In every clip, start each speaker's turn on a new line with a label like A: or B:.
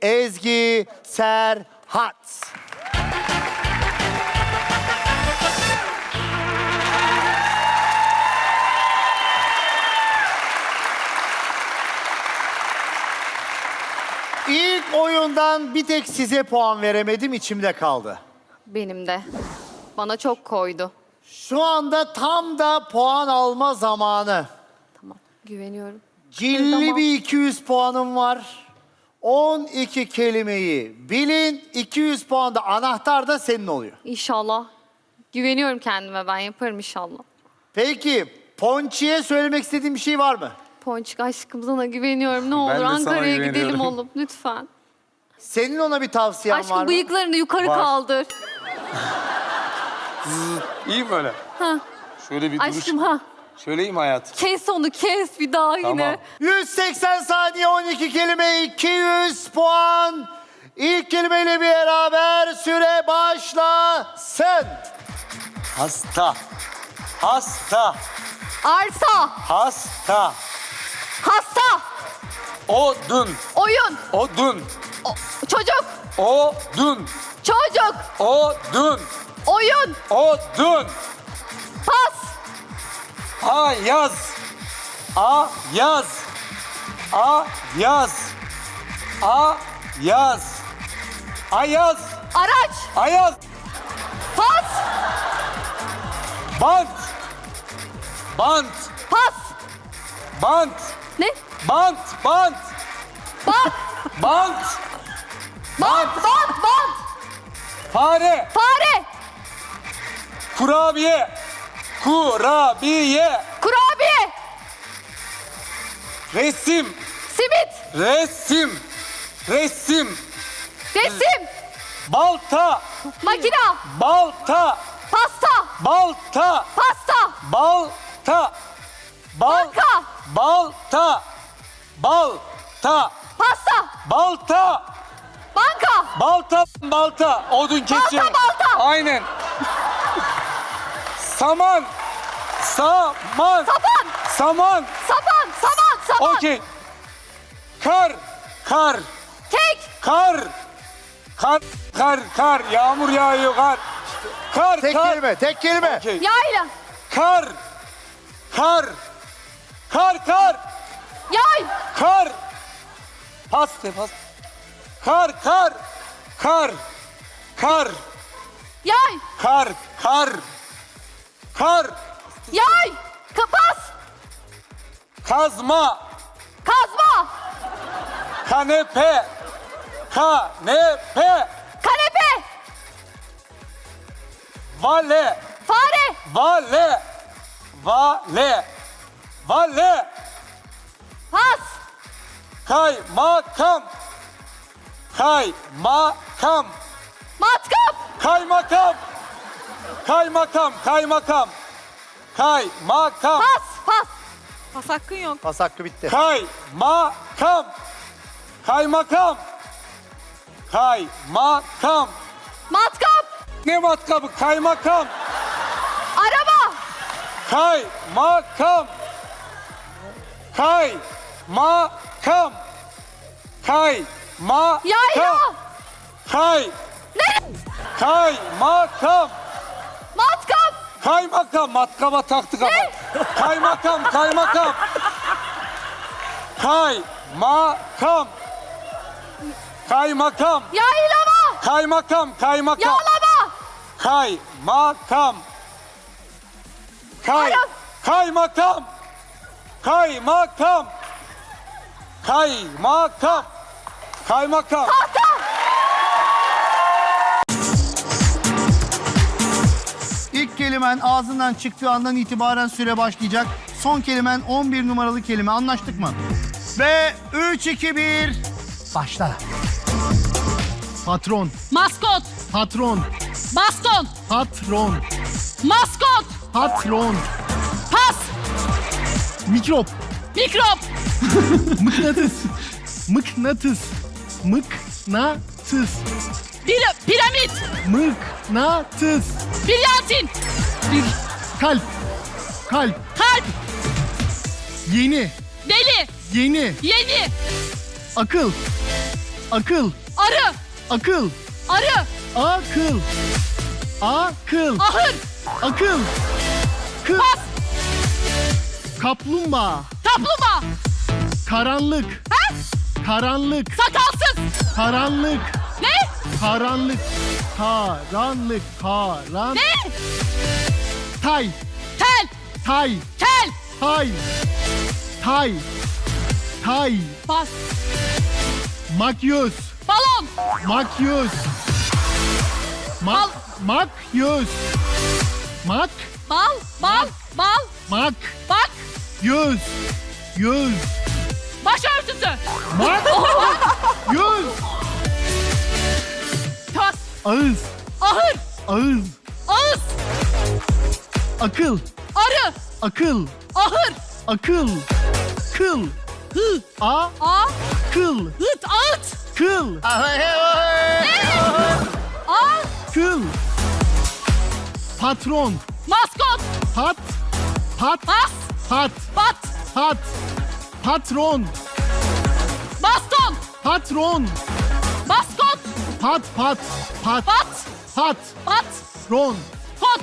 A: Ezgi Serhat. İlk oyundan bir tek size puan veremedim, içimde kaldı.
B: Benim de. Bana çok koydu.
A: Şu anda tam da puan alma zamanı.
B: Tamam, güveniyorum.
A: Cilli
B: Tamam.
A: bir 200 puanım var. 12 kelimeyi bilin, 200 puan da anahtar da senin oluyor.
B: İnşallah. Güveniyorum kendime, ben yaparım inşallah.
A: Peki, Ponçi'ye söylemek istediğin bir şey var mı?
B: Ponçik aşkım sana güveniyorum. Ne olur
C: de sana
B: Ankara'ya gidelim
C: güveniyorum.
B: oğlum lütfen.
A: Senin ona bir tavsiyen var
B: Aşkım
A: mı?
B: bıyıklarını yukarı
C: Var.
B: kaldır.
C: İyi mi öyle?
B: Ha.
C: Şöyle bir duruş.
B: Aşkım ha.
C: Söyleyeyim hayat.
B: Kes onu kes bir daha
C: Tamam.
B: yine.
A: 180 saniye, 12 kelime, 200 puan. İlk kelimeyle beraber süre başlasın.
C: Hasta. Hasta.
B: Arsa,
C: Hasta.
B: hasta,
C: Odun.
B: oyun,
C: Odun.
B: çocuk,
C: Odun.
B: çocuk,
C: Odun.
B: oyun,
C: Odun.
B: pas,
C: Ayaz. Ayaz. Ayaz. Ayaz. Ayaz.
B: araç,
C: Ayaz.
B: pas,
C: Bant. Bant.
B: pas.
C: Bant.
B: Ne?
C: Bant. Bant.
B: Bant,
C: Bant.
B: bant, bant, bant.
C: Fare.
B: Fare,
C: Kurabiye. Kurabiye.
B: kurabiye,
C: Resim.
B: simit,
C: Resim. Resim.
B: resim,
C: Balta.
B: makina,
C: Balta.
B: pasta,
C: Balta.
B: pasta,
C: Balta.
B: banka,
C: Balta. Balta.
B: pasta,
C: Balta.
B: banka,
C: Balta. Balta. Odun kesiyor.
B: balta.
C: Aynen. Saman. Saman.
B: sapan,
C: Saman.
B: sapan, saman, sapan,
C: Okey. Kar. Kar.
B: kek,
C: Kar. Kar. Kar. Kar. Yağmur yağıyor kar. Kar.
A: Tek
C: kar.
A: kelime, tek kelime.
C: Okey.
B: yayla,
C: Kar. Kar. Kar. Kar.
B: yay,
C: Kar. Pas de pas. Kar. Kar. Kar. Kar.
B: yay,
C: Kar. Kar. Kar.
B: yay, kapas,
C: Kazma.
B: kazma,
C: Kanepe. Kanepe.
B: kanepe,
C: Vale.
B: fare,
C: Vale. Vale. Vale.
B: pas,
C: Kaymakam. Kaymakam.
B: matkap,
C: Kaymakam. Kaymakam. Kaymakam. Kaymakam.
B: pas, pas,
D: Pas hakkın yok.
A: Pas hakkı bitti.
C: Kaymakam. Kaymakam. Kaymakam.
B: matkap,
C: Ne matkabı? Kaymakam.
B: araba,
C: Kaymakam. Kaymakam. Kaymakam.
B: yayla,
C: Kay.
B: ne?
C: Kaymakam.
B: Matkap,
C: Kaymakam. Matkaba taktık ama. Kaymakam. Kaymakam. Kaymakam. Kaymakam.
B: yaylama,
C: Kaymakam. Kaymakam.
B: yağlama,
C: Kaymakam. Kay.
B: Ara-
C: Kaymakam. Kaymakam. Kaymakam. Kaymakam.
B: tahta,
A: İlk kelimen ağzından çıktığı andan itibaren süre başlayacak. Son kelimen 11 numaralı kelime. Anlaştık mı? Ve 3, 2, 1. Başla. Patron,
D: Maskot,
A: patron,
D: baston,
A: patron,
D: maskot,
A: patron,
D: pas,
A: mikrop,
D: mikrop,
A: mıknatıs, mıknatıs, mıknatıs,
D: piramit,
A: mıknatıs,
D: bilyantin,
A: kalp, kalp,
D: kalp,
A: yeni,
D: deli,
A: yeni,
D: yeni,
A: akıl, Akıl.
D: Arı.
A: Akıl.
D: Arı.
A: Akıl. Akıl.
D: Ahır.
A: Akıl. Kıl.
D: Pas.
A: Kaplumbağa.
D: Kaplumbağa.
A: Karanlık.
D: Ha?
A: Karanlık.
D: Sakalsız.
A: Karanlık.
D: Ne?
A: Karanlık. Karanlık.
D: Ne?
A: Tay.
D: Tel.
A: Tay.
D: Tel.
A: Tay. Tay. Tay.
D: Pas.
A: Makyöz.
D: Balon.
A: Makyöz.
D: Bal.
A: Makyöz. Mak.
D: Bal. Bal. Bal.
A: Mak.
D: Bak.
A: Yüz. Yüz.
D: Başörtüsü.
A: Mak. Yüz.
D: Pas.
A: Ağız.
D: Ahır.
A: Ağız.
D: Ağız.
A: Akıl.
D: Arı.
A: Akıl.
D: Ahır.
A: Akıl. Kıl.
D: Hı.
A: A.
D: A.
A: Kıl.
D: Hıt. Ağıt.
A: Kıl.
D: A.
A: Kıl. Patron.
D: Maskot.
A: Pat. Pat.
D: Pas.
A: Pat.
D: Bat.
A: Pat. Patron.
D: Baston.
A: Patron.
D: Baskot.
A: Pat. Pat. Pat.
D: Bat.
A: Pat.
D: Bat.
A: Ron.
D: Kot.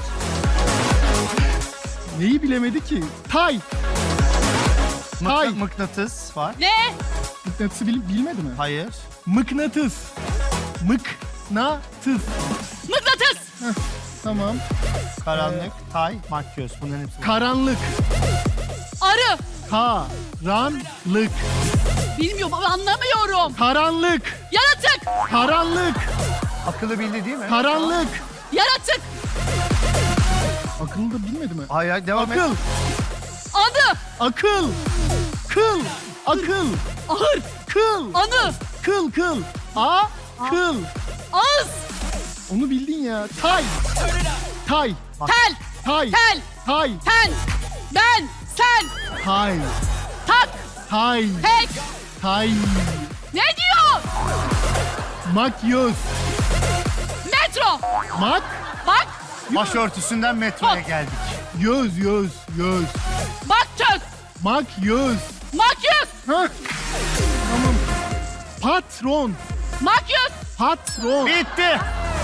A: Neyi bilemedi ki? Tay. Tay.
E: Mıknatıs var.
D: Ne?
A: Mıknatısı bilmedi mi?
E: Hayır.
A: Mıknatıs. Mıknatıs.
D: Mıknatıs.
A: Tamam.
E: Karanlık, tay, makyöz. Bunların hepsi var.
A: Karanlık.
D: Arı.
A: Karanlık.
D: Bilmiyorum ama anlamıyorum.
A: Karanlık.
D: Yaratık.
A: Karanlık.
E: Akıllı bildi değil mi?
A: Karanlık.
D: Yaratık.
A: Akıllı da bilmedi mi?
E: Hayır, hayır, devam et.
A: Akıl.
D: Adı.
A: Akıl. Kıl. Akıl.
D: Ahır.
A: Kıl.
D: Anı.
A: Kıl. Kıl. A. Kıl.
D: Ağız.
A: Onu bildin ya. Tay. Tay.
D: Tel.
A: Tay.
D: Tel.
A: Tay.
D: Ten. Ben. Sen.
A: Tay.
D: Tak.
A: Tay.
D: Tek.
A: Tay.
D: Ne diyor?
A: Makyöz.
D: Metro.
A: Mak.
D: Bak.
E: Başörtüsünden metroya geldik.
A: Yüz.
D: Bak çöz.
A: Makyöz.
D: Makyöz.
A: Hah. Tamam. Patron.
D: Makyöz.
A: Patron.
E: Bitti.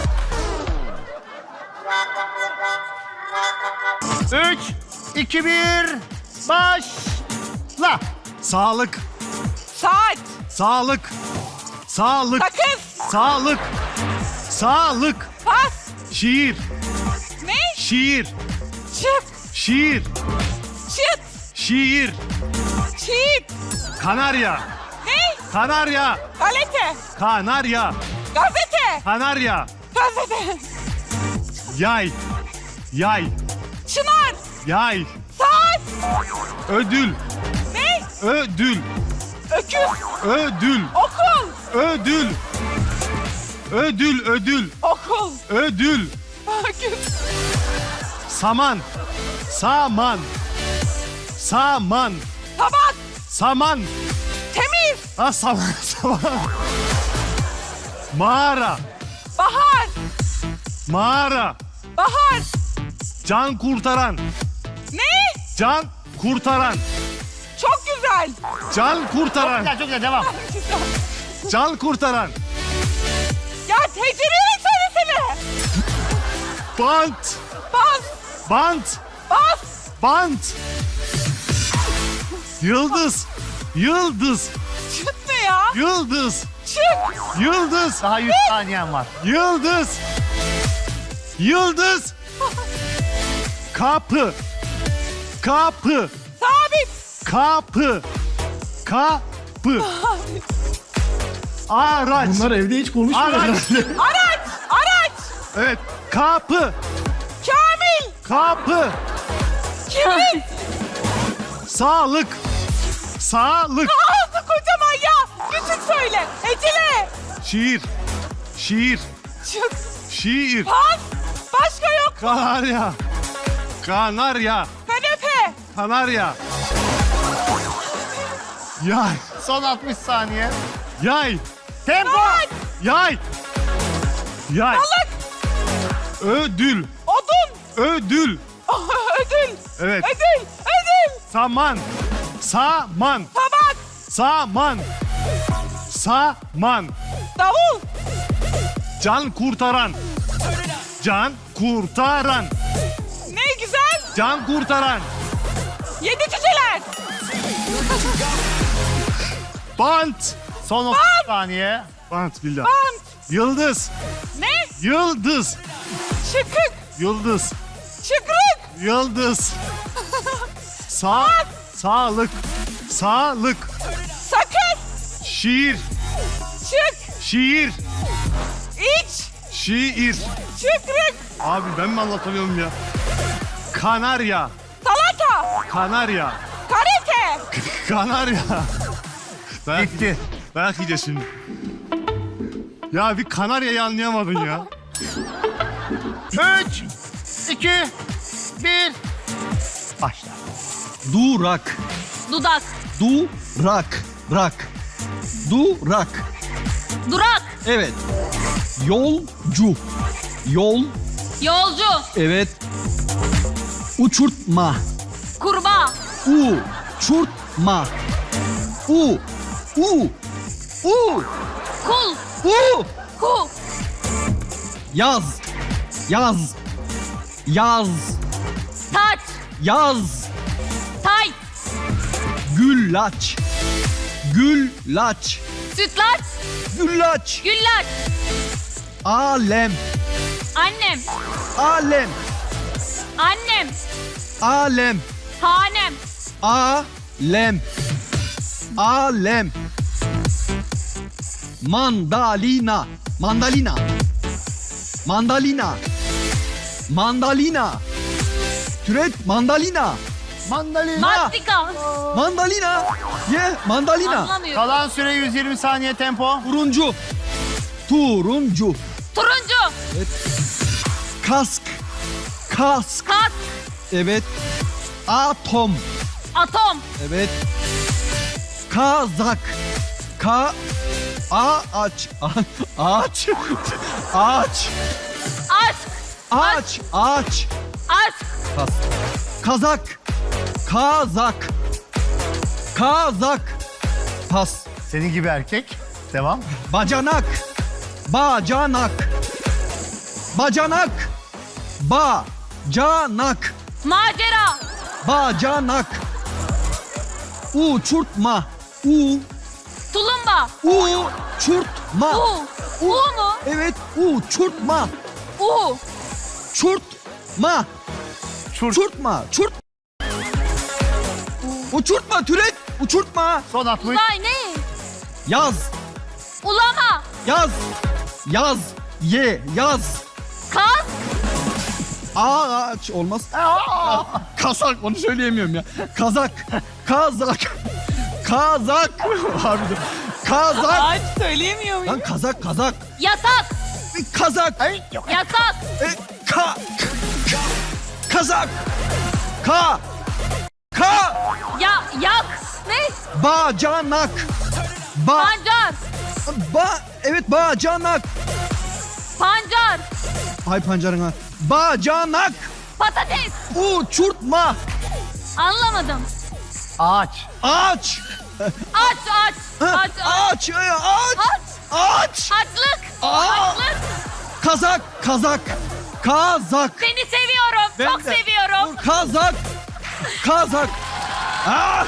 E: 3, 2, 1, başla. Sağlık,
F: Saat,
E: sağlık, sağlık,
F: sakız,
E: sağlık, sağlık,
F: pas,
E: şiir,
F: ne?
E: şiir,
F: Çık,
E: şiir,
F: çıt,
E: şiir,
F: çiğit,
E: kanarya,
F: ne?
E: kanarya,
F: Galete,
E: kanarya,
F: gazete,
E: kanarya,
F: gazete,
E: yay, yay,
F: çınar,
E: yay,
F: saat,
E: ödül,
F: ne?
E: ödül,
F: Öküz,
E: ödül,
F: okul,
E: ödül, ödül, ödül,
F: okul,
E: ödül,
F: öküz,
E: saman, saman, saman,
F: tabak,
E: saman,
F: temiz,
E: ha saman, saman, mağara,
F: bahar,
E: mağara,
F: bahar,
E: can kurtaran,
F: ne?
E: can kurtaran,
F: Çok güzel,
E: can kurtaran,
A: Çok güzel devam.
F: güzel.
E: can kurtaran,
F: Ya tecrübeyi söylesene.
E: bant,
F: Bas,
E: bant,
F: bas,
E: bant, yıldız, yıldız,
F: çıt ne ya?
E: yıldız,
F: Çık,
E: yıldız, daha 100 saniyen var. yıldız, yıldız, kapı, kapı,
F: sabit,
E: kapı, kapı, araç,
A: Bunlar evde hiç konuşmuyor.
E: araç,
F: araç, araç,
E: evet, kapı,
F: kamil,
E: kapı,
F: kibrit.
E: sağlık, sağlık,
F: Ağzı kocaman ya. Küçük söyle. Ecile.
E: şiir, şiir,
F: Çık.
E: şiir,
F: Pas. Başka yok.
E: kanarya, kanarya,
F: Kanepe.
E: kanarya, yay,
A: Son 60 saniye.
E: yay,
A: Tempo.
F: Saat.
E: yay, yay,
F: Balık.
E: ödül,
F: Odun.
E: ödül,
F: Ödül.
E: evet,
F: Ödül. Ödül.
E: saman, saman,
F: Tabak.
E: saman, saman,
F: Davul.
E: Can kurtaran. Can kurtaran.
F: Ne güzel.
E: Can kurtaran.
F: 7 cüceler.
A: Bant. Son 30 saniye.
E: Bant billah.
F: Bant.
E: Yıldız.
F: Ne?
E: Yıldız.
F: Çıkık.
E: Yıldız.
F: Çıkrık.
E: Yıldız. Sağlık. Sağlık.
F: Sakız.
E: Şiir.
F: Çık.
E: Şiir.
F: İç.
E: Şiir.
F: Çıkrık.
E: Abi ben mi anlatamıyorum ya? Kanarya.
F: Salata.
E: Kanarya.
F: Karate.
E: Kanarya. Dayak
A: Bitti.
E: Dayak yiyeceğiz şimdi. Ya bir Kanarya'yı anlayamadın ya.
A: 3, 2, 1. Başla.
G: Durak.
B: Dudak.
G: Durak. Rak. Durak.
B: Durak.
G: Evet. Yolcu. Yol.
B: Yolcu.
G: Evet. Uçurtma.
B: Kurbağa.
G: Uçurtma. U.
B: Kul. Kul.
G: Yaz. Yaz. Yaz.
B: Taç.
G: Yaz.
B: Tay.
G: Güllaç. Güllaç.
B: Sütlaç.
G: Güllaç.
B: Güllaç.
G: Alem.
B: Annem.
G: Alem.
B: Annem.
G: Alem.
B: Hanem.
G: Alem. Alem. Mandalina. Mandalina. Mandalina. Mandalina. Türet mandalina.
A: Mandalina.
B: Mastika.
G: Mandalina. Ye mandalina.
B: Anlamıyorum.
A: Kalan süre 120 saniye tempo.
G: Turuncu. Turuncu.
B: Turuncu.
G: Kask. Kask.
B: Kas.
G: Evet. Atom.
B: Atom.
G: Evet. Kazak. Ağaç. Ağaç. Ağaç.
B: Aşk.
G: Ağaç. Ağaç.
B: Aşk.
G: Pas. Kazak. Kazak. Kazak. Pas.
A: Senin gibi erkek. Devam.
G: Bacanak. Bacanak. Bacanak. Bacanak.
B: Macera.
G: Bacanak. Uçurtma.
B: Tulumba.
G: Uçurtma.
B: U mu?
G: Evet, uçurtma.
B: U.
G: Çurtma. Çurtma. Uçurtma türet. Uçurtma.
A: Son 60.
B: Uzay ne?
G: Yaz.
B: Ulama.
G: Yaz. Yaz. Yaz.
B: Kas.
G: Ağaç olmaz. Kazak onu söyleyemiyorum ya. Kazak. Kazak. Kazak. Harbiden. Kazak.
F: Ağaç söyleyemiyor muyum?
G: Lan kazak.
B: Yatak.
G: Kazak.
B: Yatak.
G: Kazak.
B: Yak. Ne?
G: Bacanak.
B: Pancar.
G: Evet bacanak.
B: Pancar.
G: Hay pancarına. Bacanak.
B: Patates.
G: Uçurtma.
B: Anlamadım.
A: Ağaç.
G: Ağaç.
B: Aç. Aç.
G: Ağaç. Ağaç.
B: Açlık.
G: Aa.
B: Açlık.
G: Kazak. Kazak.
B: Seni seviyorum.
G: Ben
B: Çok
G: de.
B: seviyorum.
G: Kazak. Ah!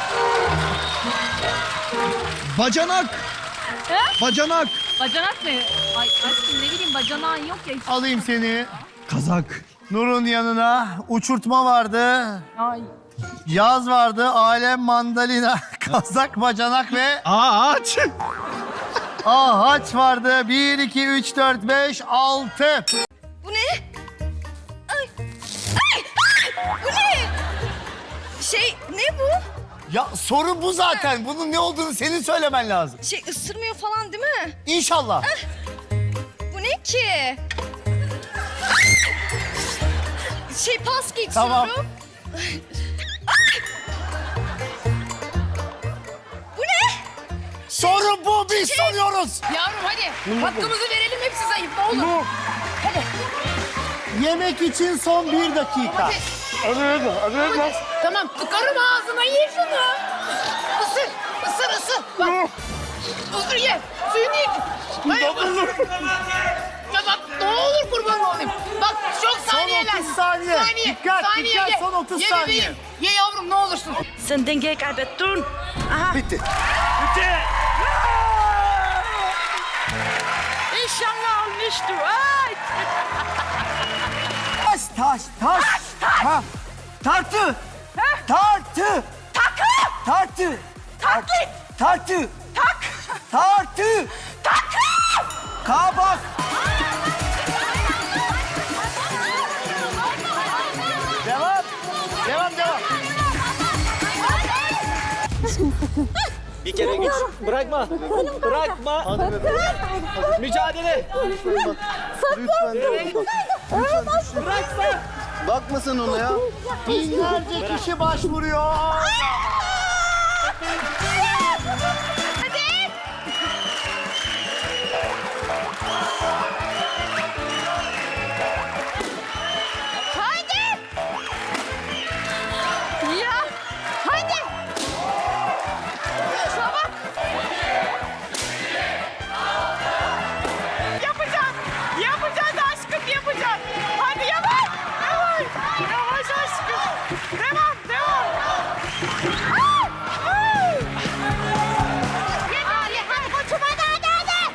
G: Bacanak.
B: He?
G: Bacanak.
B: Bacanak mı? Ay aşkım ne bileyim bacanağın yok ya. Hiç.
A: Alayım seni.
G: Kazak.
A: Nur'un yanına. Uçurtma vardı.
F: Ay.
A: Yaz vardı. Alem, mandalina, kazak, bacanak ve
G: Ağaç.
A: ağaç vardı. 1, 2, 3, 4, 5, 6.
H: Bu ne? Ay. Bu ne? Ne bu?
A: Ya soru bu zaten. Bunun ne olduğunu senin söylemen lazım.
H: Isırmıyor falan değil mi?
A: İnşallah.
H: Bu ne ki? Pas geçiyorum.
A: Tamam.
H: Bu ne?
A: Soru bu. Biz soruyoruz.
D: Yavrum hadi. Hakkımızı verelim hepsi zayıf ne olur.
A: Yemek için son 1 dakika.
D: Tamam tıkarım ağzına ye şunu. Isır. Bak. Isır ye. suyu niye... Hayır, ya bak ne olur kurban olayım. Bak çok
A: Son
D: saniyeler.
A: 30 saniye. Dikkat, dikkat,
D: ye.
A: son 30
D: Ye
A: saniye.
D: bebeğim. Ye yavrum ne olursun.
I: Sen dengeyi kaybettin. Aha.
A: Bitti.
I: İnşallah olmuştur. Ay.
G: Taş. Ha. Tartı. Tartı. Tartı.
F: Taklit.
G: Tartı.
F: Tak.
G: Tartı.
F: Takı.
G: Kabak.
A: Devam.
G: Bir kere güç. Bırakma. Bırakma. Mücadele.
A: Lütfen. Bakmasın ona ya. Binlerce kişi başvuruyor.
H: Haydi. Ya. Haydi. Çabuk.
F: Yapacağız aşkım yapacağız. Hadi yavaş. Yavaş aşkım. Devam.
H: Hadi koçum hadi.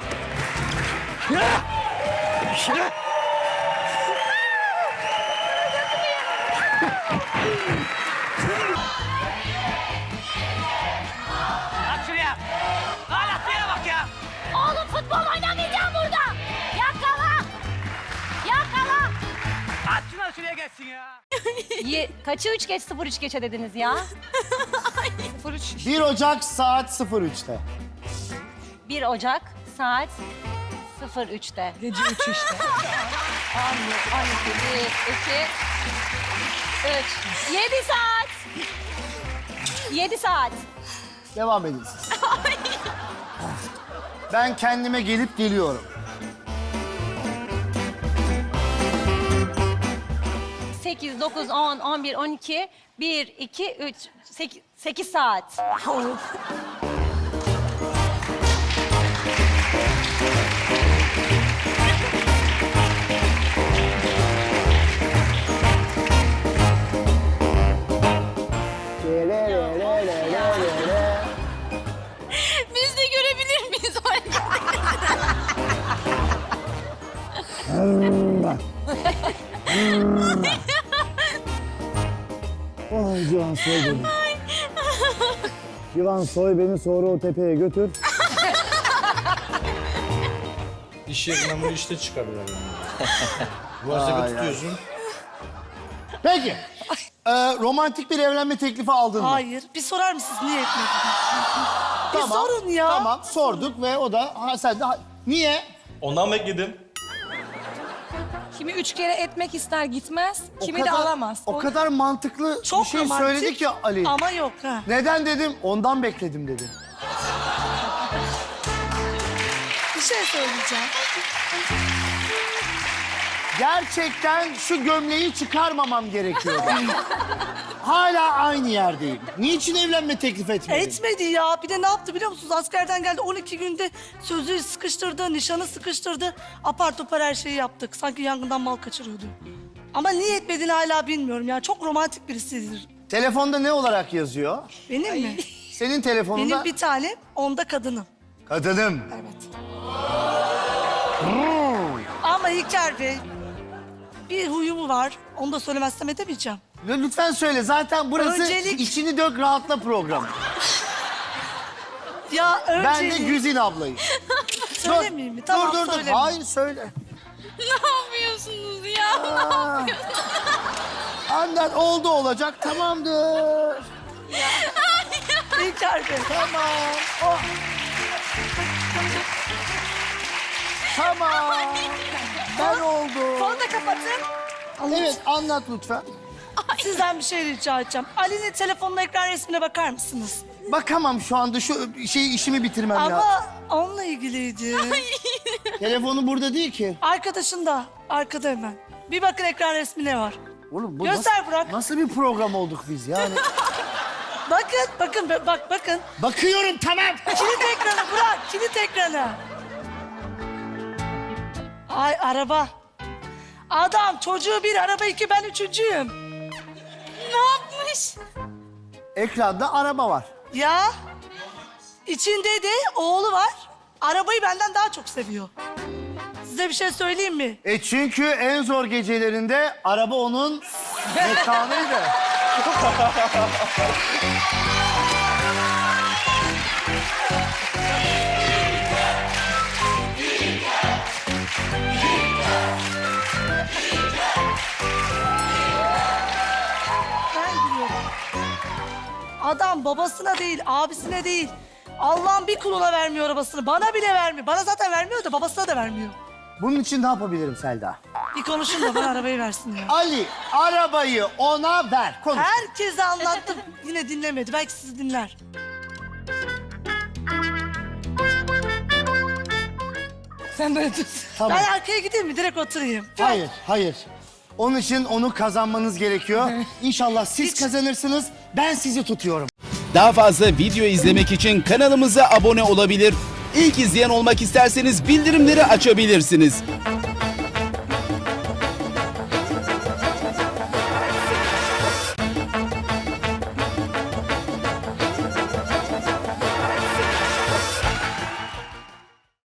I: Bak şuraya. Hala şuraya bak ya.
H: Oğlum futbol oynamayacağım burada. Yakala.
I: At şunu şuraya geçsin ya.
J: Kaçı 3 geç 03 geçe dediniz ya?
A: 1 Ocak saat 03'te.
J: 1 Ocak saat 03'te.
F: Gece 3 işte.
J: 12, 1, 2, 3. 7 saat. 7 saat.
A: Devam edin siz. Ben kendime gelip geliyorum.
J: 8, 9, 10, 11, 12, 1, 2, 3, 8 saat.
H: Biz de görebilir miyiz
A: Ay Civan soy beni. Civan soy beni sonra o tepeye götür.
E: İş yerinden bunu işte çıkarıyorlar yani. Boğazda tutuyorsun.
A: Peki. Romantik bir evlenme teklifi aldın mı?
F: Hayır. Bir sorar mısınız niye etmedin?
A: Tamam,
F: sorun ya.
A: Tamam sorduk ve o da sen de niye?
E: Ondan bekledim.
D: Kimi 3 kere etmek ister gitmez. Kimi de
A: kadar-
D: alamaz.
A: O kadar mantıklı
F: Çok
A: bir şey
F: romantik
A: söyledi ki Ali.
F: Ama yok ha.
A: Neden dedim? Ondan bekledim dedi.
F: Bir şey söyleyeceğim.
A: Gerçekten şu gömleği çıkarmamam gerekiyordu. Hala aynı yerdeyim. Niçin evlenme teklif etmedin?
F: Etmedi ya. Bir de ne yaptı biliyor musunuz? Askerden geldi 12 günde sözü sıkıştırdı, nişanı sıkıştırdı. Apar topar her şeyi yaptık. Sanki yangından mal kaçırıyordu. Ama niye etmediğini hala bilmiyorum ya. Çok romantik birisidir.
A: Telefonda ne olarak yazıyor?
F: Benim mi?
A: Senin telefonunda...
F: Benim bir tanem, onda kadınım.
A: Kadınım.
F: Evet. Ama İlker Bey, bir huyumu var. Onu da söylemezsem edemeyeceğim.
A: Lütfen söyle. Zaten burası
F: Öncelik-
A: içini dök rahatla programı.
F: Ya önce...
A: Ben de Güzin ablayım.
F: Söylemeyeyim mi? Tamam
A: dur.
F: söylemeyeyim.
A: Hayır söyle.
H: Ne yapıyorsunuz ya?
A: Anlat oldu olacak tamamdır.
F: İlker Bey.
A: Tamam. Oh. Tamam. Ben oldu.
F: Fonu da kapatın.
A: Evet anlat lütfen.
F: Sizden bir şey rica edeceğim. Ali'nin telefonun ekran resmine bakar mısınız?
A: Bakamam şu anda şu işimi bitirmem lazım.
F: Ama onunla ilgiliydi.
A: Telefonu burada değil ki.
F: Arkadaşın da arkada hemen. Bir bakın ekran resmine var.
A: Oğlum bu
F: Göster
A: nasıl,
F: Burak.
A: nasıl bir program olduk biz yani?
F: Bakın.
A: Bakıyorum tamam.
F: Kilit ekranı Burak, kilit ekranı. Ay araba. Adam çocuğu bir, araba iki, ben üçüncüyüm.
H: Ne yapmış?
A: Ekranda araba var.
F: Ya içinde de oğlu var. Arabayı benden daha çok seviyor. Size bir şey söyleyeyim mi?
A: Çünkü en zor gecelerinde araba onun mekanıydı.
F: Ben biliyorum. Adam babasına değil, abisine değil. Allah'ın bir kuluna vermiyor arabasını. Bana bile vermiyor. Bana zaten vermiyor da babasına da vermiyor.
A: Bunun için ne yapabilirim Selda?
F: Bir konuşun da bana arabayı versin ya.
A: Ali, arabayı ona ver. Konuş.
F: Herkese anlattım. Yine dinlemedi. Belki sizi dinler. Sen böyle tut.
A: Tamam.
F: Ben arkaya gideyim mi? Direkt oturayım.
A: Hayır, hayır. Onun için onu kazanmanız gerekiyor. İnşallah siz kazanırsınız, ben sizi tutuyorum.
K: Daha fazla video izlemek için kanalımıza abone olabilir. İlk izleyen olmak isterseniz bildirimleri açabilirsiniz.